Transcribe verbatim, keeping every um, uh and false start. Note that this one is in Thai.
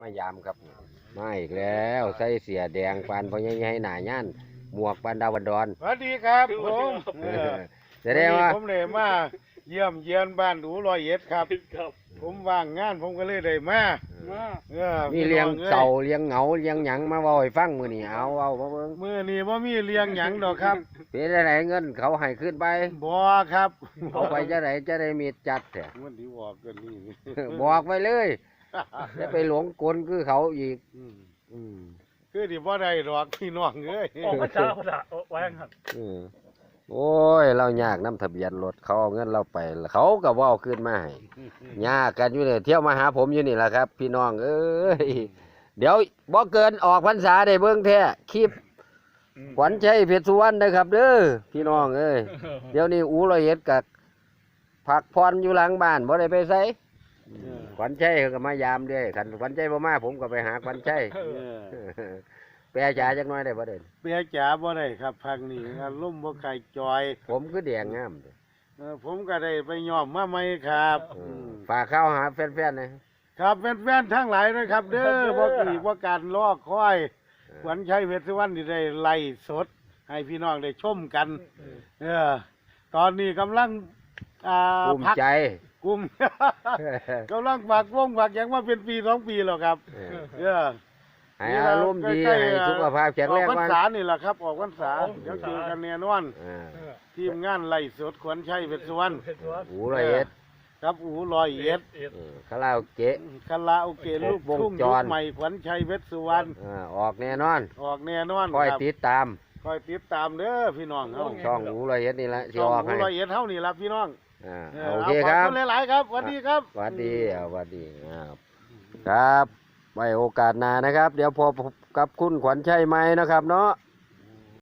มายามครับมาอีกแล้วใส่เสียแดงปานพอใหญ่ๆหน้าย่านหมวกปานดาวดอนสวัสดีครับผมจะได้ว่าผมเลยมาเยี่ยมเยียนบ้านอูร้อยเอ็ดครับ ผมว่างงานผมก็เลยได้มาเออมีเลี้ยงเสาเลี้ยงเหงาเลี้ยงหยังมาเว้าให้ฟังมื้อนี้เอาเอามาเบิ่งมื้อนี้บ่มีเลี้ยงหยังดอกครับเป็นจังไดเงินเขาให้ขึ้นไปบ่ครับเอาไปจะไดจะได้มีจัดแท้มันสิบอกกันนี่บอกไว้เลยจะไปหลงกลคือเขาอีกอืมอืมคือที่บ่ได้ดอกพี่น้องเอ้ยออกมาช้าเขาด่าไว้ครับอืมโอ้ยเรายากน้ำทะเบียนรถเขาเอาเงินเราไปเขาก็บ่เอาขึ้นมาให้ยากกันอยู่เนี่ยเที่ยวมาหาผมอยู่นี่แหละครับ พี่น้องเอ้ยเดี๋ยวบ่เกินออกพรรษาได้เบิ่งแท้คลิปขวัญชัยเพชรสุวรรณนะครับเด้อพี่น้องเอ้ยเดี๋ยวนี้อูร้อยเอ็ดกับพักพรอยู่หลังบ้านบ่ได้ไปไสขวัญชัยเขาก็มายามเด้อคันขวัญชัยบ่มาผมก็ไปหาขวัญชัยเออแปรจ๋าจักหน่อยได้บ่เด่นเปียจ๋าบ่ได้ครับพักนี้อารมณ์บ่ไข่จอยผมคือแดงงามเด้อเออผมก็ได้ไปยอมมาใหม่ครับเออือมฝากข้าวหาแฟนๆนะครับแฟนๆทั้งหลายนะครับ เด้อบ่อีกว่าการรอคอยขวัญชัยเพชรสุวรรณที่ได้ไล่สด ให้พี่น้องได้ชมกัน เออ ตอนนี้กำลังอ่าภูมิพักใจกลุ่ม กำลังฝากวงฝากหยังมาเป็นปีสองปีแล้วครับเออเออให้อารมณ์ดีใกล้ๆให้สุขภาพแข็งอแรอกงพรรวันษานี่แหละครับ ออกพรรษาเดี๋ยวเจอกันแน่นอนอ่าทีมงานไล่สดขวัญชัยเพชรสุวรรณเพชรวัดหูร้อยเอ็ดครับอูร้อยเอ็ดเอ็ดเออคาราโอเกะคาราโอเกะลูกวงทุ่งจยุรคใหม่ขวัญชัยเพชรสุวรรณอ่าออกแน่นอนออกแน่นอนคอยครับติดตามคอยติดตามเด้อพี่น้องเฮาช่องหูร้อยเอ็ดนี่แหละสิช่องออกอูให้ร้อยเอ็ดเฮานี่ล่ะพี่น้องอ่าเอโออเคาครับขอณหลายๆครับสวัสดีครับสวัสดีอ่าสวัสดีครับครับไว้โอกาสหน้านะครับ เดี๋ยวพบกับคุณขวัญชัยใหม่นะครับเนาะ